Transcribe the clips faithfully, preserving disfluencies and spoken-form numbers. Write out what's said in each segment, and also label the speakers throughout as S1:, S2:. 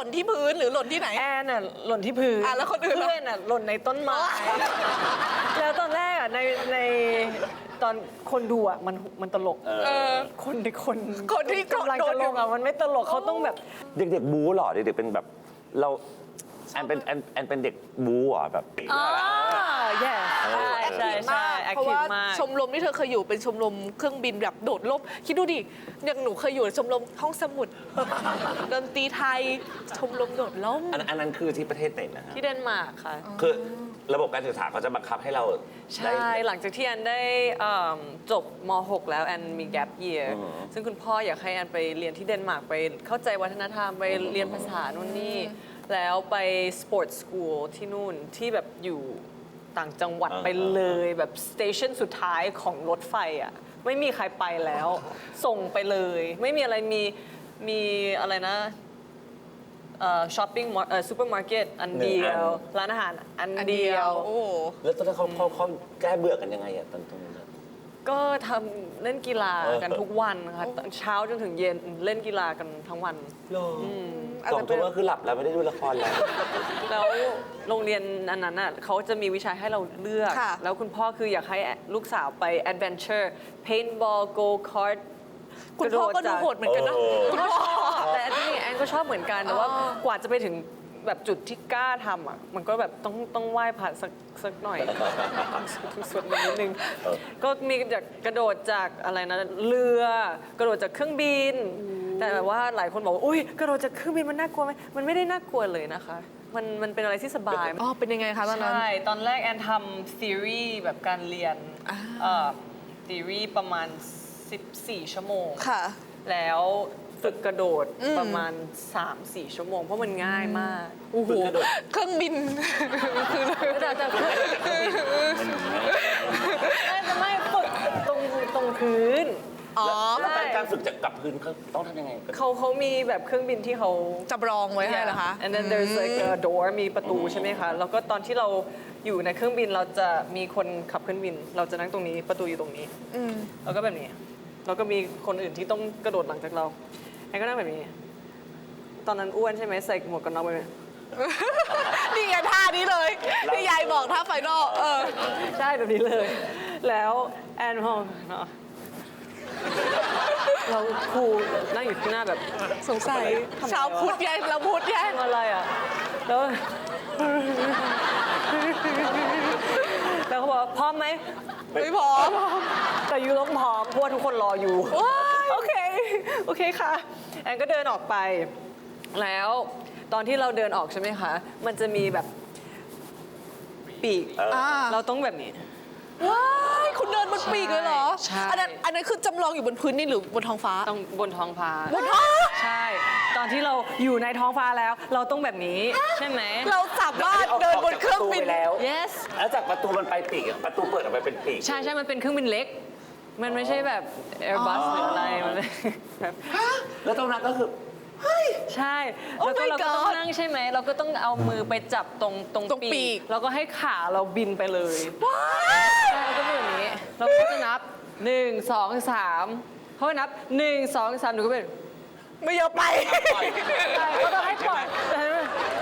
S1: ล่นที่พื้นหรือหล่นที่ไหน
S2: แอนน่ะหล่นที่พื้น
S1: อ่ะแล้วคนอื่นล่ะ
S2: เพื่อนน่ะหล่นในต้นไม้แล้วตอนแรกอ่ะในในตอนคนดูอ่ะมันมันตลก
S1: เออ
S2: คนที่คน
S1: คนที่
S2: กำลังจะลงอ่ะมันไม่ตลกเขาต้องแบบ
S3: เด็กๆบู๊เหรอเด็กๆเป็นแบบเราแอนเป็นแอนแอนเป็นเด็กบู๊เหรอแบบ
S2: อ๋อแย่ใช่ใช่ใช่แอค
S1: เพราะ
S2: ทีฟ
S1: ว่าม
S2: าก
S1: ชมรมที่เธอเคยอยู่เป็นชมรมเครื่องบินแบบโดดร่มคิดดูดิอย่างหนูเคยอยู่ชมรมห้องสมุดดนตรีไทยชมรมโดดร่ม
S3: อันอันนั้นคือที่ประเทศไหนนะฮะ
S2: ที่เดนมาร์กค่ะ
S3: คือระบบการศึกษาเขาจะบังคับให้เรา
S2: ใช่ หลังจากที่แอนได้เอิ่มจบม หก แล้วแอนมี gap year
S3: อืม
S2: ซึ่งคุณพ่ออยากให้แอนไปเรียนที่เดนมาร์กไปเข้าใจวัฒนธรรมไปเรียนภาษานู่นนี่ แล้วไป sports school ที่นู่นที่แบบอยู่ต่างจังหวัดไปเลยแบบสเตชันสุดท้ายของรถไฟอ่ะ ไม่มีใครไปแล้ว ส่งไปเลย ไม่มีอะไรมีมีอะไรนะช้อปปิ้งซูเปอร์มาร์เก็ตอันเดียว ร้านอาหารอัน
S1: อัน
S2: เดี
S1: เดี
S2: ย
S1: ยว วโอ้
S3: แล้วตอนนั้นเขาเขาเขาแก้เบื่อกันยังไงอะตอนตรงนั้นอะ
S2: ก็ทำเล่นกีฬากันทุกวันค่ะตอนเช้าจนถึงเย็นเล่นกีฬากันทั้งวัน
S3: สองทุ่มก็คือหลับแล้วไม่ได้ดูละครแล้ว
S2: แล้วโรงเรียนอันนั้นอ่ะเขาจะมีวิชาให้เราเลือก
S1: ค่ะ
S2: แล้วคุณพ่อคืออยากให้ลูกสาวไป adventure paintball go kart
S1: คุณพ่อก็ดูโหดเหมือนกันนะ
S3: เออ
S1: คุณพ่อ
S2: แต่อันนี้แอนก็ชอบเหมือนกัน แต่ว่ากว่าจะไปถึงแบบจุดที่กล้าทำอ่ะมันก็แบบต้องต้องไหว้พระสักสักหน่อยสวดมนต์นิดนึง ก็มีจากกระโดดจากอะไรนะเรือกระโดดจากเครื่องบิน แต่แบบว่าหลายคนบอกว่าอุ้ยกระโดดจากเครื่องบินมันน่ากลัวไหมมันไม่ได้น่ากลัวเลยนะคะ มันมันเป็นอะไรที่สบาย
S1: อ๋อเป็นยังไงคะตอนนั้น
S2: ใช่ ตอนแรกแอนทำ theory แบบการเรียน
S1: อ่า
S2: เอ่อ theory ประมาณ สิบสี่ ชั่วโมง
S1: ค่ะ
S2: แล้วฝึกกระโดด
S1: อืม
S2: ประมาณ สามสี่ ชั่วโมง เพราะมันง่ายมาก
S1: โอ้โหเครื่องบินคือ
S2: แต่แต่ไม่แต่ไม่ฝึกตรงตรงพื้น
S1: อ๋อ
S3: แล้วการการฝึกจากกับพื้นเขาต้องทำยังไง
S2: เขาเขามีแบบเครื่องบินที่เขา
S1: จำลองไว้ให้เหรอคะ
S2: and then there's like a door มีประตูใช่ไหมคะ แล้วก็ตอนที่เราอยู่ในเครื่องบินเราจะมีคนขับเครื่องบิน เราจะนั่งตรงนี้ประตูอยู่ตรงนี้
S1: อืม
S2: แล้วก็แบบนี้ แล้วก็มีคนอื่นที่ต้องกระโดดหลังจากเราแอนก็นั่งแบบนี้ ตอนนั้นอ้วนใช่ไหมใส่หมวกกันน็อกไปไหม
S1: นี่ไงท่านี้เลยที่ยายบอกท่าไฟนอลเออ
S2: ใช่แบบนี้เลย แล้วแอนมองเนาะเราครูนั่งอยู่ที่หน้าแบบ
S1: สงสัย
S2: ทำไม
S1: ชาวพุทธแย่งเราพุทธแย่ง
S2: ทำอะไรอ่ะ แล้ว แล้วเขาบอกว่าพร้อมไหม
S1: ไม่พอ
S2: แต่ยูต้องพร้อมเพราะว่าทุกคนรออยู่
S1: ว้าย
S2: โอเค โอเคค่ะ แอนก็เดินออกไป แล้วตอนที่เราเดินออกใช่ไหมคะ มันจะมีแบบปีก
S1: อ่า
S2: เราต้องแบบนี้
S1: ว้ายคุณเดินบนปีกเลยเหรอ
S2: ใช่
S1: อันนั้นอันนั้นคือจำลองอยู่บนพื้นนี่หรือบนท้องฟ้า
S2: ต้องบนท้องฟ้า
S1: บนท้อง
S2: ใช่ ตอนที่เราอยู่ในท้องฟ้าแล้ว เราต้องแบบนี้ ใช่ไหม
S1: เราสามารถเดินบนเครื่องบิน
S3: แล้ว
S2: yes
S3: แล้วจากประตูมันไปปีกอะประตูเปิดออกไปเป็นปีก
S2: ใช่ใช่มันเป็นเครื่องบินเล็ก มันไม่ใช่แบบ Airbus หรืออะไร มันเป็นแบบ
S3: แล้วตรงนั้นก็คือ
S2: ใช่
S1: Oh
S2: แล้วก็
S1: my
S2: เราก็ต้อง
S1: God
S2: นั่งใช่ไหม เราก็ต้องเอามือไปจับตรงตรง
S1: ตรงปีก
S2: แล้วก็ให้ขาเราบินไปเลย
S1: ว้าย
S2: ใช่แล้วก็เป็นแบบนี้ เราก็จะนับหนึ่งสองสามเขาให้นับหนึ่งสองสามหนูก็เป็น
S1: ไม่ยอมไป
S2: ใช่เขาต้องให้ปล่อยแต่เห็นไหม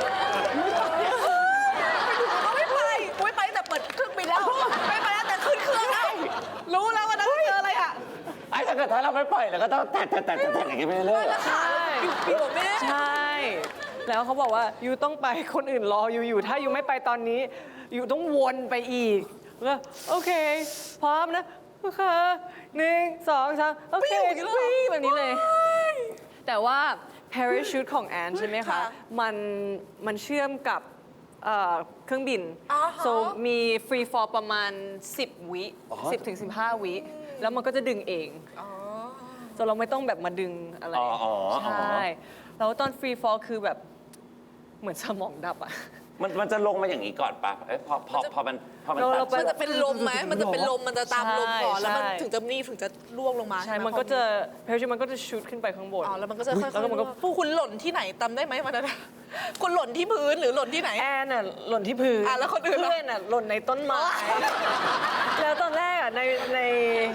S1: ไม่ไปไม่ไปแต่เปิดเครื่องบินแล้วไม่ไปแล้วแต่ขึ้นเครื่องแล้วรู้แล้วว่านั่นคืออะไรอ่ะ
S3: ไอ้ถ้าเกิดถ้าเราไม่ปล่อยเราก็ต้องแตะแตะแตะแตะแตะอย่างเงี้ยไปเรื่อยๆอะ
S2: ใช่
S1: ปีกแม่
S2: ใช่ แล้วเขาบอกว่ายูต้องไปคนอื่นรออยู่อยู่ ถ้ายูไม่ไปตอนนี้ยูต้องวนไปอีกแล้วโอเค พร้อมนะโอเคหนึ่งสองสามโอเควิ่งแบบนี้เลย แต่ว่า parachute ของแอนใช่ไหมคะ
S1: ค่ะ
S2: มันมันเชื่อมกับเอ่อเครื่องบิน
S1: อ๋อฮะ
S2: so มี free fall ประมาณ สิบ วิ สิบถึงสิบห้า วิ แล้วมันก็จะดึงเอง
S1: อ๋อ
S2: จนเราไม่ต้องแบบมาดึงอะไร
S3: อ๋ออ๋ออ๋อ
S2: ใช่ แล้วตอน free fall คือแบบเหมือนสมองดับอะ
S3: มันมันจะลงมาอย่างนี้ก่อนปะเอ้ยพอพอพอมันพอมัน
S2: เรา
S3: ตั
S2: เรา
S3: ด
S2: ไป
S1: มันจะเป็นลมไหมมันจะเป็นลมมันจะตามลมก่อน
S2: ใช่
S1: แล้วมัน
S2: ใช่
S1: ถึงจะนี่ถึงจะล่วงลงมา
S2: ใช่
S1: ไห
S2: มันก็จะ parachute มันก็จะชูดขึ้นไปข้างบน
S1: อ๋อแล้วมันก็จะค่อยๆ
S2: แล้วก็มันก็
S1: ผู้คุณหล่นที่ไหนจำได้ไหมวันนั้นอะคุณหล่นที่พื้นหรือหล่นที่ไหน
S2: แอนน่ะหล่นที่พื้น
S1: อ่ะแล้วคนอื่นล่ะ
S2: เพื่อนน่ะหล่นในต้นไม้ แล้วตอนแรกอ่ะในใน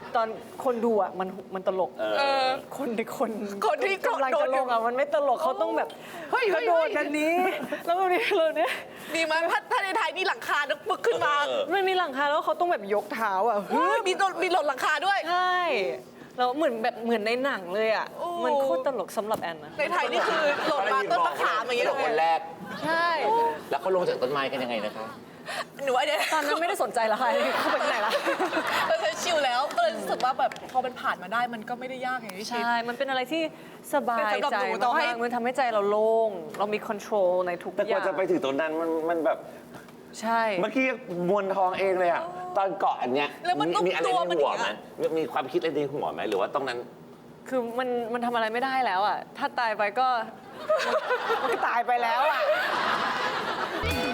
S2: ตอนคนดูอ่ะมันมันตลก
S1: เออ
S2: คนที่คน
S1: คนที่
S2: กำลัง
S1: โด
S2: จะ
S1: น
S2: ลงอ่ะมันไม่ตลกเขาต้องแบบเฮ้ยกระโดดอันนี้ แล้วแบบนี้เลยเนี่ย
S1: ดีไหมถ้าถ้าในไทยนี่หลังคานึกปึกขึ้นมา
S2: ไม่มีหลังคาแล้วเขาต้องแบบยกเท้าอ่ะ
S1: เฮ้ยมีโดนมีหล่นหลังคาด้วย
S2: ใช่แล้วเหมือนแบบเหมือนในหนังเลยอ่ะ
S1: โอ้
S2: มันโคตรตลกสำหรับแอนนะ
S1: ในไทยนี่คือหล่นมาต้นมะขามอย่างเงี้ย
S3: กระโดดคนแรก
S2: ใช่
S3: แล้วเขาลงจากต้นไม้กันยังไงนะคะ
S1: หนูว่าเนี่ย
S2: ตอนนั้นไม่ได้สนใจละใครเขาไปที่ไหนละ
S1: เราใช้ชิลแล้วก็เลยรู้สึกว่าแบบพอมันผ่านมาได้มันก็ไม่ได้ยากอย่างที่คิด
S2: ใช่ มันเป็นอะไรที่สบาย
S1: แต่สำหรับ
S2: ใจ
S1: หนูต่อให้
S2: มากๆมันทำให้ใจเราโล่ง เรามีคอนโทรลในทุก
S3: แต่
S2: อก ย่า
S3: ว่าง จะไปถึงตรงนั้นมันมันแบบ
S2: ใช่
S3: เมื่อกี้มวนทองเองเลยอะตอนเกาะอันเนี้ย
S1: แล้วมันต้อง
S3: มีอะไร
S1: ตัว
S3: ใน
S1: มัน
S3: หัว
S1: อย่าง
S3: ไหม
S1: เงี้ย
S3: มีความคิดอะไรในหัวไหมหรือว่าตรงนั้น
S2: คือมันมันทำอะไรไม่ได้แล้วอ่ะ ถ้าตายไปก็ มันก็ตายไปแล้วอ่ะ